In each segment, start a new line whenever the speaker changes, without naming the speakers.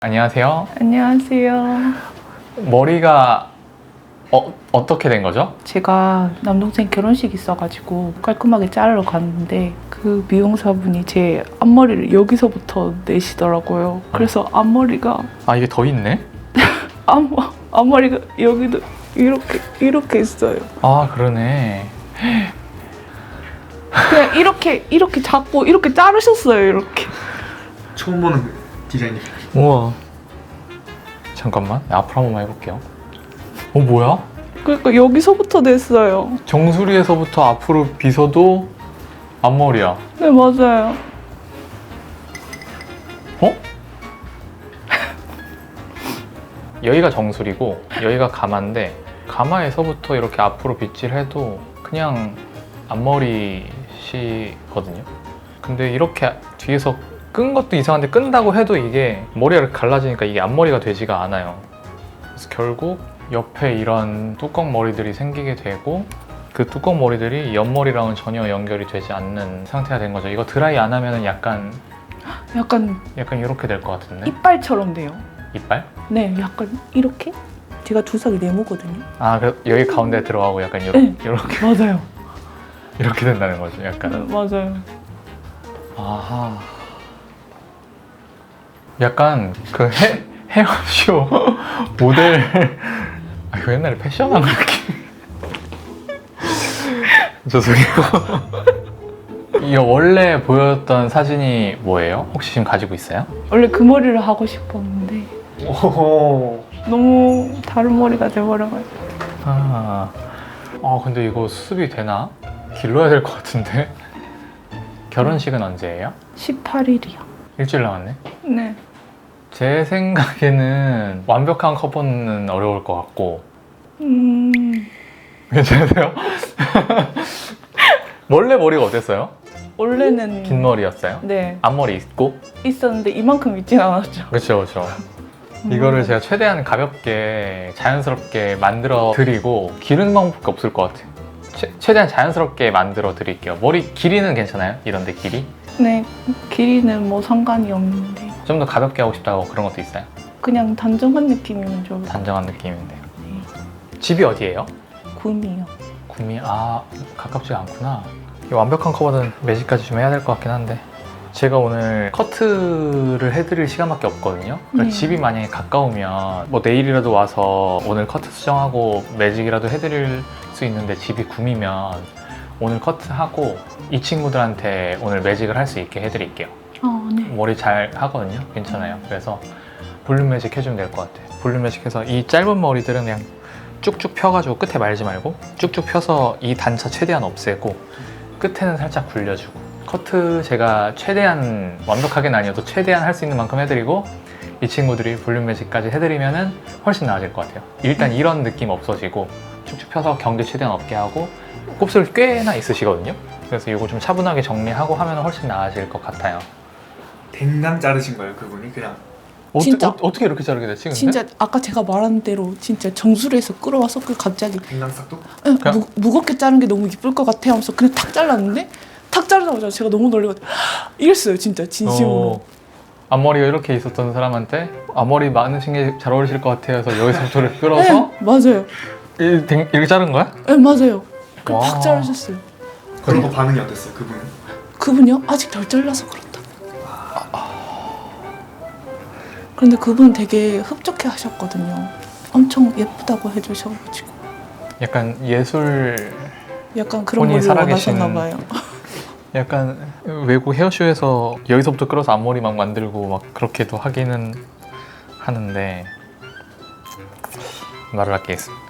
안녕하세요.
안녕하세요.
머리가 어떻게 된 거죠?
제가 남동생 결혼식 있어가지고 깔끔하게 자르러 갔는데 그 미용사분이 제 앞머리를 여기서부터 내시더라고요. 그래서 앞머리가
아, 이게 더 있네?
앞머리가 여기도 이렇게 있어요.
아, 그러네.
그냥 이렇게 잡고 이렇게 자르셨어요. 이렇게.
처음 보는 디자인이.
우와. 잠깐만, 앞으로 한 번만 해볼게요. 뭐야?
그러니까 여기서부터 냈어요.
정수리에서부터 앞으로 빗어도 앞머리야.
네, 맞아요.
어? 여기가 정수리고 여기가 가마인데 가마에서부터 이렇게 앞으로 빗질해도 그냥 앞머리시거든요. 근데 이렇게 뒤에서 끈 것도 이상한데 끈다고 해도 이게 머리가 갈라지니까 이게 앞머리가 되지가 않아요. 그래서 결국 옆에 이런 뚜껑 머리들이 생기게 되고 그 뚜껑 머리들이 옆머리랑은 전혀 연결이 되지 않는 상태가 된 거죠. 이거 드라이 안 하면은 약간 이렇게 될 것 같은데?
이빨처럼 돼요.
이빨?
네, 약간 이렇게. 제가 두상이 네모거든요.
아, 여기 가운데 들어가고 약간 이렇게,
네.
이렇게,
맞아요.
이렇게 된다는 거죠.
네,
약간.
맞아요.
아하. 약간 그 헤어쇼 모델. 아, 이거 옛날에 패션한 느낌. 죄송해요. 이거 원래 보였던 사진이 뭐예요? 혹시 지금 가지고 있어요?
원래 그 머리를 하고 싶었는데
오.
너무 다른 머리가 돼버려가지고.
근데 이거 수습이 되나? 길러야 될 것 같은데? 결혼식은 언제예요?
18일이요.
일주일 남았네?
네.
제 생각에는 완벽한 커버는 어려울 것 같고. 괜찮으세요? 원래 머리가 어땠어요?
원래는
긴 머리였어요?
네,
앞머리 있고?
있었는데 이만큼 있진 않았죠.
그렇죠, 그렇죠. 이거를 제가 최대한 가볍게 자연스럽게 만들어 드리고 기르는 방법밖에 없을 것 같아요. 최대한 자연스럽게 만들어 드릴게요. 머리 길이는 괜찮아요? 이런데 길이?
네, 길이는 뭐 상관이 없는데
좀 더 가볍게 하고 싶다고 그런 것도 있어요?
그냥 단정한 느낌이면 좀
단정한 느낌인데요.
네.
집이 어디예요?
구미요.
구미. 가깝지 않구나. 이 완벽한 커버는 매직까지 좀 해야 될 것 같긴 한데 제가 오늘 커트를 해드릴 시간밖에 없거든요. 그러니까
네.
집이 만약에 가까우면 뭐 내일이라도 와서 오늘 커트 수정하고 매직이라도 해드릴 수 있는데 집이 구미면 오늘 커트하고 이 친구들한테 오늘 매직을 할 수 있게 해드릴게요.
네.
머리 잘 하거든요. 괜찮아요. 그래서 볼륨 매직 해주면 될 것 같아요. 볼륨 매직해서 이 짧은 머리들은 그냥 쭉쭉 펴가지고 끝에 말지 말고 쭉쭉 펴서 이 단차 최대한 없애고 끝에는 살짝 굴려주고 커트 제가 최대한 완벽하게는 아니어도 최대한 할 수 있는 만큼 해드리고 이 친구들이 볼륨 매직까지 해드리면은 훨씬 나아질 것 같아요. 일단 이런 느낌 없어지고 쭉쭉 펴서 경계 최대한 없게 하고 곱슬 꽤나 있으시거든요. 그래서 이거 좀 차분하게 정리하고 하면 훨씬 나아질 것 같아요.
댕강 자르신 거예요, 그분이? 그냥
진짜.
어떻게 이렇게 자르게 됐지? 근데?
진짜 아까 제가 말한 대로 진짜 정수리에서 끌어와서 그 갑자기
댕강 싹도?
그냥-
무겁게 자른 게 너무 이쁠 것 같아 하면서 그냥 탁 잘랐는데 탁 자르자마자 제가 너무 놀래가지고 이랬어요. 진짜 진심으로.
앞머리가 이렇게 있었던 사람한테 앞머리 많으신 게 잘 어울리실 것 같아요 해서 여기서부터를 끌어서
네, 맞아요.
이렇게 자른 거야?
네, 맞아요. 그럼
와.
탁 자르셨어요.
그런 거 반응이 어땠어요, 그분은?
그분이요? 아직 덜 잘라서 그렇다. 그런데 그분 되게 흡족해 하셨거든요. 엄청 예쁘다고 해주셔가지고
약간 예술,
약간 그런
본인이
걸
살아계신-
원하셨나 봐요.
약간 외국 헤어쇼에서 여기서부터 끌어서 앞머리 막 만들고 막 그렇게도 하기는 하는데 말을 아끼겠습니다.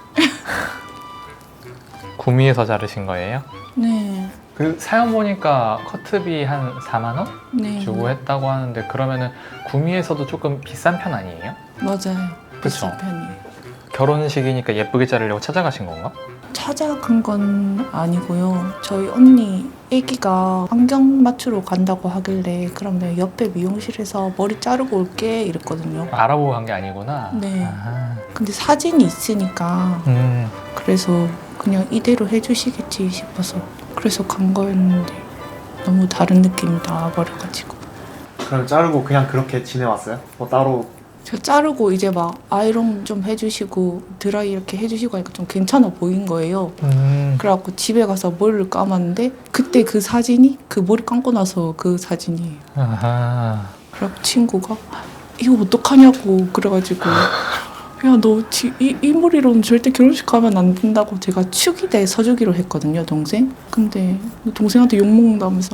구미에서 자르신 거예요?
네,
그 사연 보니까 커트비 한 4만 원
네,
주고 했다고 하는데 그러면은 구미에서도 조금 비싼 편 아니에요?
맞아요.
그쵸?
비싼 편이에요.
결혼식이니까 예쁘게 자르려고 찾아가신 건가?
찾아간 건 아니고요. 저희 언니 애기가 안경 맞추러 간다고 하길래 그러면 옆에 미용실에서 머리 자르고 올게 이랬거든요.
알아보고 간 게 아니구나.
네.
아하.
근데 사진이 있으니까 그래서 그냥 이대로 해주시겠지 싶어서 그래서 간 거였는데 너무 다른 느낌이 나와버려가지고.
그럼 자르고 그냥 그렇게 지내왔어요? 뭐 따로
제가 자르고 이제 막 아이롱 좀 해주시고 드라이 이렇게 해주시고 하니까 좀 괜찮아 보인 거예요. 그래갖고 집에 가서 머리를 감았는데 그때 그 사진이 그 머리 감고 나서 그 사진이에요.
아하.
그래갖고 친구가 이거 어떡하냐고 그래가지고 야 너 이 머리로는 절대 결혼식 가면 안 된다고 제가 축의대 서주기로 했거든요 동생. 근데 동생한테 욕먹는다면서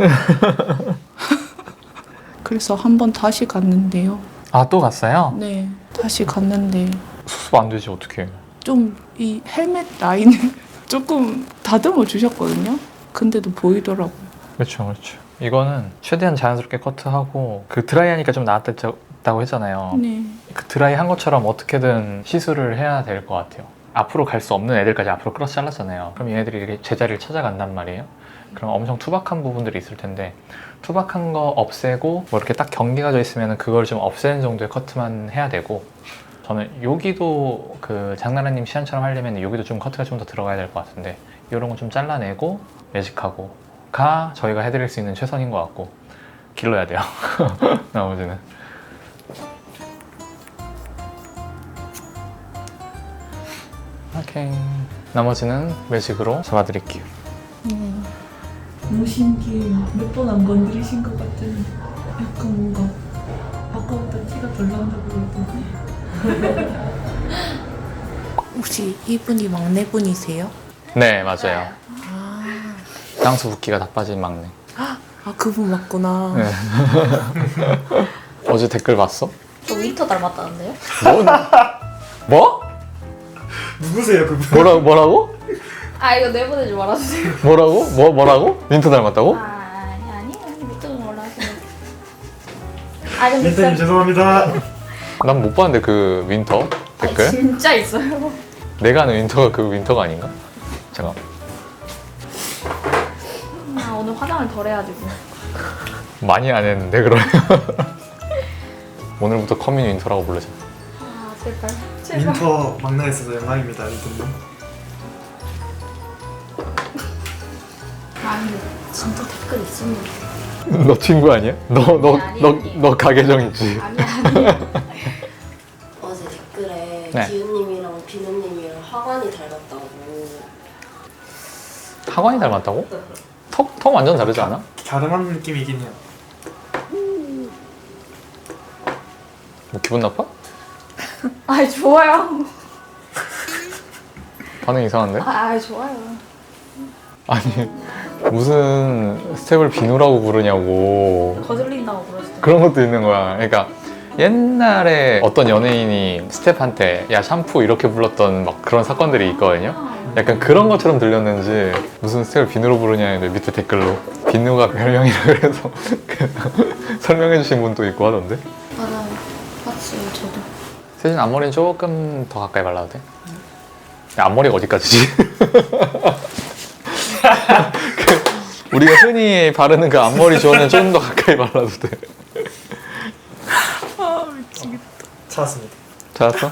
그래서 한 번 다시 갔는데요.
아, 또 갔어요?
네 다시 갔는데
수습 안 되지, 어떡해.
좀 이 헬멧 라인을 조금 다듬어 주셨거든요. 근데도 보이더라고요.
그렇죠, 그렇죠. 이거는 최대한 자연스럽게 커트하고 그 드라이하니까 좀 나았다고 했잖아요.
네.
그 드라이 한 것처럼 어떻게든 시술을 해야 될 것 같아요. 앞으로 갈 수 없는 애들까지 앞으로 끌어서 잘랐잖아요. 그럼 얘네들이 이렇게 제자리를 찾아간단 말이에요. 그럼 엄청 투박한 부분들이 있을 텐데 투박한 거 없애고 뭐 이렇게 딱 경계가 져 있으면 그걸 좀 없애는 정도의 커트만 해야 되고, 저는 여기도 그 장나라님 시안처럼 하려면 여기도 좀 커트가 좀 더 들어가야 될 것 같은데 이런 거 좀 잘라내고 매직하고 가 저희가 해드릴 수 있는 최선인 것 같고, 길러야 돼요. 나머지는. 오케이. 나머지는 매직으로 잡아드릴게요.
무신기 몇 번 안 건드리신 것 같은 약간 뭔가 아까보다 티가 덜 난다고 그러던데. 혹시 이분이 막내분이세요?
네, 맞아요.
아,
땅수 붓기가 다 빠진 막내.
아 그분 맞구나.
네. 어제 댓글 봤어?
저 윈터 닮았다는데요?
뭐?
누구세요 그분?
뭐라고?
아 이거 내보내지 말아주세요.
뭐라고? 뭐라고? 윈터 닮았다고?
아니 윈터 몰라주세요. 아 근데
민트님
진짜
죄송합니다.
난 못 봤는데 그 윈터 댓글?
진짜 있어요.
내가 아는 윈터가 그 윈터가 아닌가? 잠깐.
아 오늘 화장을 덜 해가지고.
많이 안 했는데 그러면. 오늘부터 커민 윈터라고 부르자.
아 제발.
민터 막내에 있어서 영광입니다 민트님.
아니 진짜 댓글 있습니다.
너 친구 아니야?
아니.
너 가계정 있지?
아니야.
어제 댓글에
네.
기훈님이랑 비누님이랑 하관이 닮았다고.
하관이 닮았다고? 턱 완전 다르지 않아?
갸름한 느낌이긴 해요.
뭐 기분 나빠?
아 좋아요.
반응 이상한데?
아 좋아요.
아니 무슨 스텝을 비누라고 부르냐고.
거슬린다고 그러시더라고요.
그런 것도 있는 거야. 그러니까 옛날에 어떤 연예인이 스텝한테 야 샴푸 이렇게 불렀던 막 그런 사건들이 있거든요. 약간 그런 것처럼 들렸는지 무슨 스텝을 비누로 부르냐는데 밑에 댓글로 비누가 별명이라 그래서 설명해 주신 분도 있고 하던데.
맞아요. 봤어요 저도.
세진 앞머리는 조금 더 가까이 발라도 돼? 야, 앞머리가 어디까지지? 우리가 흔히 바르는 그 앞머리 조는 좀 더 가까이 발라도 돼.
아 미치겠다.
찾았습니다.
찾았어?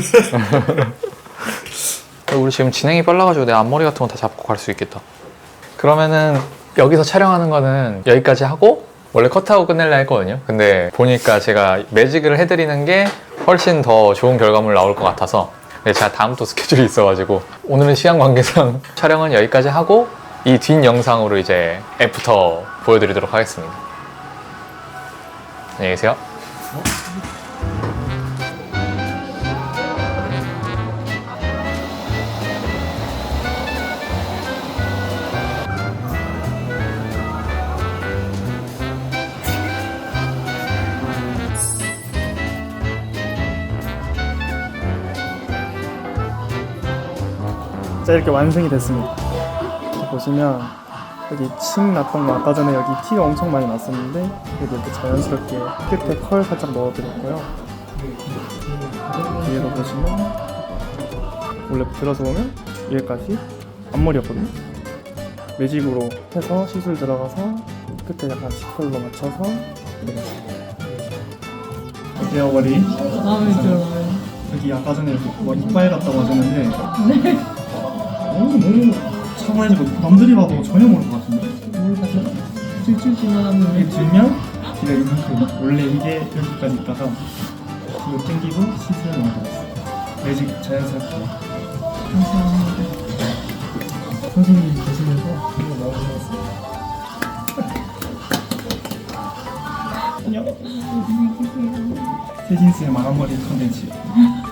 우리 지금 진행이 빨라가지고 내 앞머리 같은 거 다 잡고 갈 수 있겠다. 그러면은 여기서 촬영하는 거는 여기까지 하고 원래 컷하고 끝낼려 했거든요. 근데 보니까 제가 매직을 해드리는 게 훨씬 더 좋은 결과물 나올 것 같아서, 근데 제가 다음 또 스케줄이 있어가지고 오늘은 시간 관계상 촬영은 여기까지 하고 이 뒷 영상으로 이제 애프터 보여드리도록 하겠습니다. 안녕히 계세요.
자, 이렇게 완성이 됐습니다. 보시면 여기 침 났던 거 아까 전에 여기 티가 엄청 많이 났었는데 여기 이렇게 자연스럽게 끝에 컬 살짝 넣어드렸고요. 위에도 보시면 원래 들어서 보면 여기까지 앞머리였거든요. 매직으로 해서 시술 들어가서 끝에 약간 시컬로 맞춰서 어때요 머리? 마음에 들어요. 여기 아까 전에 뭐 이빨 같다고 하셨는데 너무 차가워지고 남들이 봐도 전혀 모를 것 같은데? 찔찔찔만 하면 이게 들면 귀가 이만큼 원래 이게 여기까지 있다가 이거 땡기고 시트를 넣어드렸어요. 매직 자연스럽게. 감사합니다. 선생님이 계시면서 이거 넣어주셨어요. 안녕. 세진스의 마감머리 컨텐츠.